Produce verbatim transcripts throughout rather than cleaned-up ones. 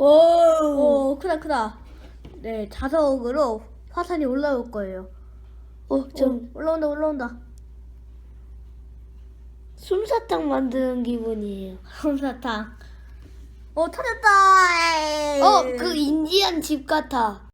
오, 크다 크다. 네, 자석으로 화산이 올라올 거예요. 어, 좀 오, 올라온다 올라온다. 솜사탕 만드는 기분이에요. 솜사탕. 오, 터졌다. 에이. 어, 그 인디안 집 같아.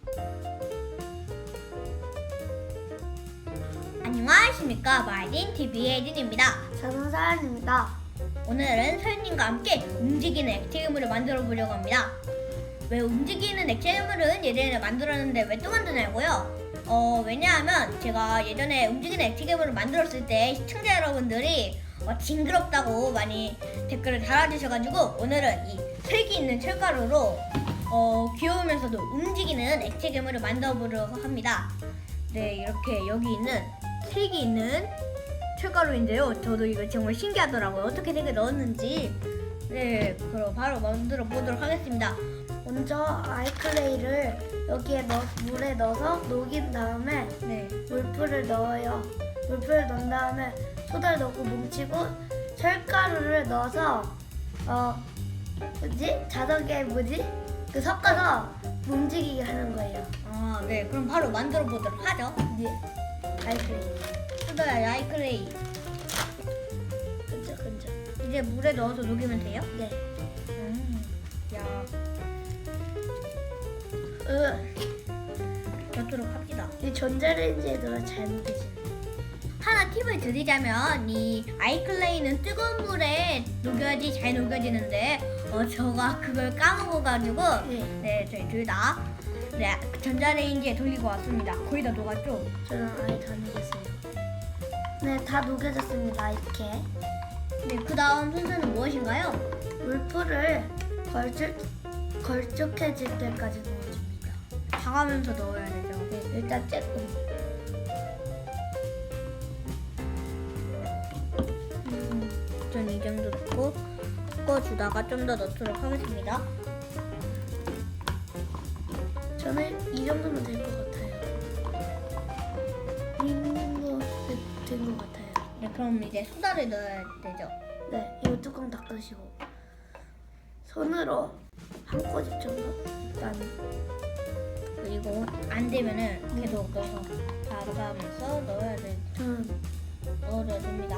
안녕하십니까, 마이딘 티비의 딘입니다. 저는 사연입니다. 오늘은 서윤님과 함께 움직이는 액체괴물을 만들어 보려고 합니다. 왜 움직이는 액체괴물은 예전에 만들었는데 왜 또 만드냐고요? 어, 왜냐하면 제가 예전에 움직이는 액체괴물을 만들었을 때 시청자 여러분들이 어, 징그럽다고 많이 댓글을 달아주셔가지고 오늘은 이 색이 있는 철가루로 어, 귀여우면서도 움직이는 액체괴물을 만들어 보려고 합니다. 네, 이렇게 여기 있는 색이 있는 철가루인데요. 저도 이거 정말 신기하더라고요. 어떻게 색을 넣었는지. 네, 그럼 바로 만들어 보도록 하겠습니다. 먼저 아이클레이를 여기에 넣, 물에 넣어서 녹인 다음에 네, 물풀을 넣어요. 물풀을 넣은 다음에 소다를 넣고 뭉치고 철가루를 넣어서 어 뭐지? 자석에 뭐지? 그 섞어서 움직이게 하는 거예요. 아, 네, 그럼 바로 만들어 보도록 하죠. 네. 아이클레이. 수다야, 아이클레이. 근처 근처. 이제 물에 넣어서 녹이면 돼요? 네. 음, 야, 으, 넣도록 합시다. 이 전자레인지에 넣어 잘 녹이지. 하나 팁을 드리자면 이 아이클레이는 뜨거운 물에 녹여야지 잘 녹여지는데 어 저가 그걸 까먹어가지고 네. 네, 저희 둘 다 네, 전자레인지에 돌리고 왔습니다. 거의 다 녹았죠? 저는 아예 다 녹였어요. 네, 다 녹여졌습니다. 이렇게 네, 그 다음 순서는 무엇인가요? 물풀을 걸쭉 걸쭉해질 때까지 넣어줍니다. 봐가면서 넣어야 되죠. 네, 일단 조금. 음, 전 이 정도 넣고 섞어주다가 좀 더 넣도록 하겠습니다. 저는 이 정도면 될 것 같아요. 이 정도 된 것 같아요. 네, 그럼 이제 소다를 넣어야 되죠. 네, 이거 뚜껑 닦으시고 손으로 한 꼬집 정도 일단. 그리고 안 되면은 계속 넣어서 봐가면서 넣어야 돼. 저는 넣어줘야 됩니다.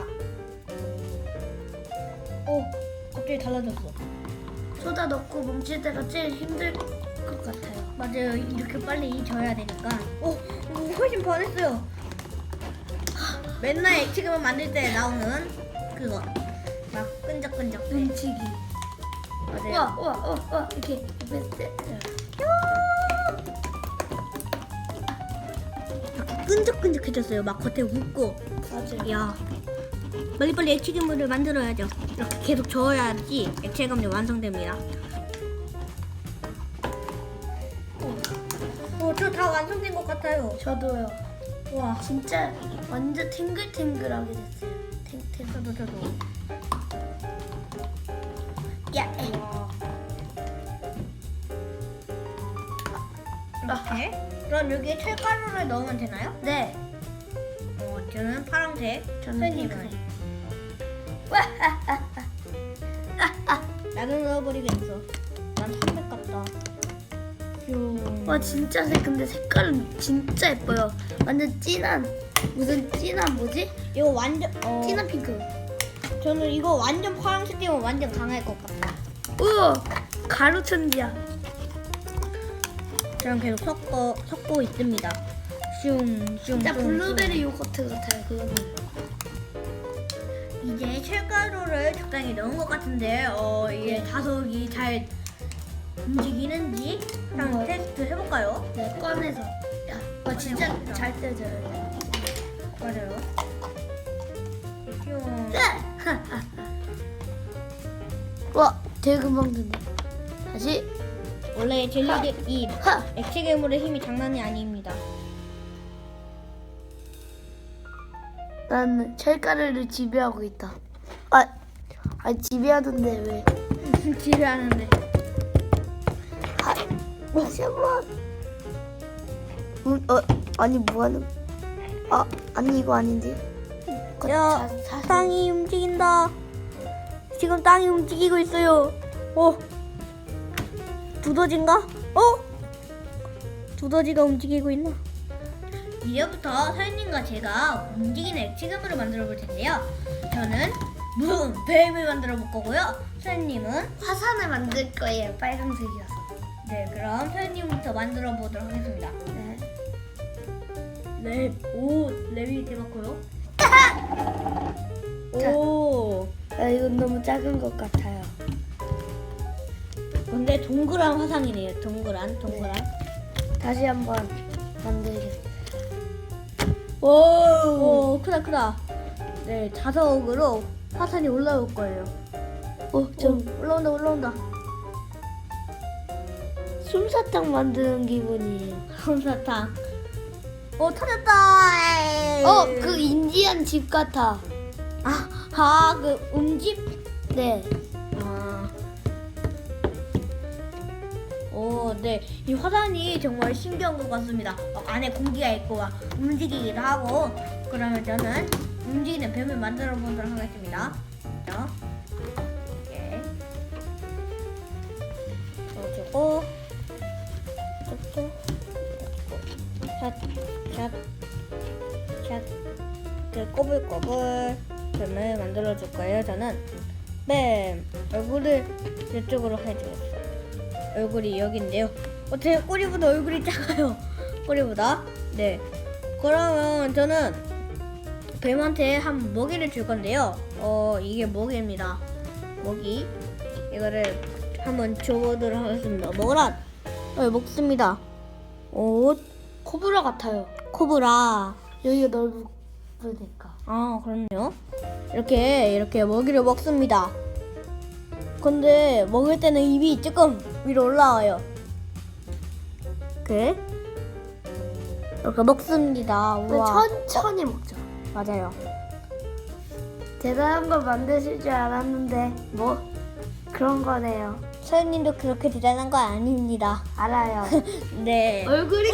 오, 갑자기 달라졌어. 소다 넣고 뭉칠 때가 제일 힘들 것 같아요. 맞아요. 이렇게 빨리 져야 되니까. 오, 오, 훨씬 변했어요. 맨날 액체괴물 만들 때 나오는 그거. 막 끈적끈적. 뭉치기. 맞아요. 우와 우와 우와 우와 이렇게 베스트. 막 끈적끈적해졌어요. 막 겉에 웃고. 맞아요. 야, 빨리빨리 액체괴물을 만들어야죠. 이렇게 계속 저어야지 액체괴물이 완성됩니다. 오, 저 다 완성된 것 같아요. 저도요. 와, 진짜 완전 탱글탱글하게 됐어요. 탱탱. 저도 저도. 야, 에이. 이렇게. 그럼 여기에 철가루를 넣으면 되나요? 네. 어, 저는 파란색. 저는 선생님은 핑크색. 나도 넣어버리겠어. 난 삼백 같다. 뿅. 와 진짜 색 근데 색깔은 진짜 예뻐요. 완전 진한 무슨 진한 뭐지? 이거 완전 어, 진한 핑크. 저는 이거 완전 파란색이면 완전 강할 것 같다. 우와 가루 천지야. 저는 계속 섞어 섞고 있습니다. 슝, 슝, 진짜 슝, 블루베리 요거트 같아요. 그거는. 슝. 이제 철가루를 적당히 넣은 것 같은데 어 이게 자석이 잘 움직이는지 한번 한번. 테스트 해볼까요? 네 꺼내서. 야, 와 진짜 꺼내봅시다. 잘 떼져요. 맞아요. 슝. 와 되게 금방 된다. 다시. 원래 젤리 이 하. 액체 괴물의 힘이 장난이 아닙니다. 난 철가루를 지배하고 있다. 아, 아 지배하던데 왜? 지배하는데. 아, 다시 한번. 음, 어, 아니 뭐하는? 아, 아니 이거 아닌데. 그, 야, 자, 자, 땅이 움직인다. 지금 땅이 움직이고 있어요. 오, 두더지인가? 어? 두더지가 움직이고 있나? 이제부터 서현님과 제가 움직이는 액체괴물을 만들어 볼 텐데요. 저는 문 뱀을 만들어 볼 거고요. 서현님은 화산을 만들 거예요. 빨간색이어서. 네, 그럼 서현님부터 만들어 보도록 하겠습니다. 네. 랩, 오, 랩이 대박고요. 자. 오, 아, 이건 너무 작은 것 같아요. 근데 동그란 화상이네요. 동그란, 동그란. 다시 한번 만들겠습니다. 오, 오, 크다, 크다. 네, 자석으로 화산이 올라올 거예요. 어, 좀 오, 올라온다, 올라온다. 솜사탕 만드는 기분이에요. 솜사탕. 오, 터졌다. 에이. 어, 그 인디안 집 같아. 아, 아, 그 음집? 네. 아. 오, 네. 이 화산이 정말 신기한 것 같습니다. 어, 안에 공기가 있고 막 움직이기도 하고. 그러면 저는 움직이는 뱀을 만들어 보도록 하겠습니다. 자, 이렇게 넣어주고, 툭툭, 샷, 샷, 샷. 그 꼬불꼬불 뱀을 만들어 줄 거예요. 저는 뱀 얼굴을 이쪽으로 해주겠어요. 얼굴이 여기인데요. 어, 제 꼬리보다 얼굴이 작아요. 꼬리보다. 네. 그러면 저는 뱀한테 한 먹이를 줄 건데요. 어, 이게 먹이입니다. 먹이. 이거를 한번 줘보도록 하겠습니다. 먹으라. 어, 먹습니다. 옷. 코브라 같아요. 코브라. 여기가 넓으니까. 아, 그럼요. 이렇게 이렇게 먹이를 먹습니다. 근데 먹을 때는 입이 조금 위로 올라와요. 이렇게 이렇게 먹습니다. 그 우와. 천천히 먹죠. 맞아요. 대단한 걸 만드실 줄 알았는데 뭐 그런 거네요. 서현님도 그렇게 대단한 거 아닙니다. 알아요. 네. 얼굴이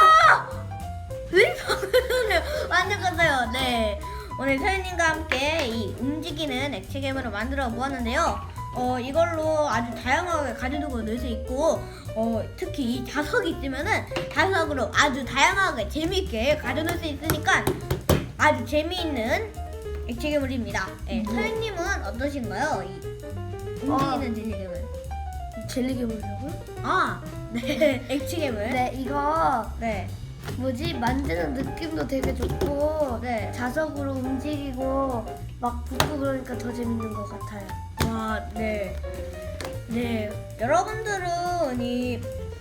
왜 손을 완전 컸어요. 네. 오늘 서현님과 함께 이 움직이는 액체 괴물을 만들어 보았는데요. 어, 이걸로 아주 다양하게 가져두고 놀 수 있고, 어, 특히 이 자석이 있으면은 자석으로 아주 다양하게 재미있게 가져놀 수 있으니까 아주 재미있는 액체 괴물입니다. 네. 음. 서현님은 어떠신가요? 이 움직이는 젤리 괴물. 젤리 괴물이라고요? 아, 네. 액체 괴물. 네, 이거 네. 뭐지 만드는 느낌도 되게 좋고 네. 자석으로 움직이고 막 붓고 그러니까 더 재밌는 것 같아요. 와, 네. 네. 여러분들은 이,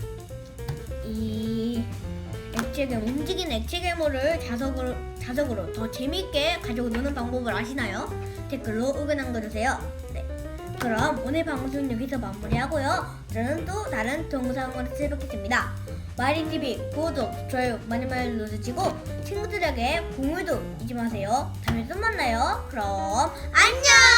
이 액체 괴물, 움직이는 액체 괴물을 자석으로, 자석으로 더 재미있게 가지고 노는 방법을 아시나요? 댓글로 의견 남겨주세요. 네. 그럼 오늘 방송 여기서 마무리하고요. 저는 또 다른 동영상으로 찾아뵙겠습니다. 마린티비 구독, 좋아요 많이 많이 눌러주시고 친구들에게 공유도 잊지 마세요. 다음에 또 만나요. 그럼 안녕!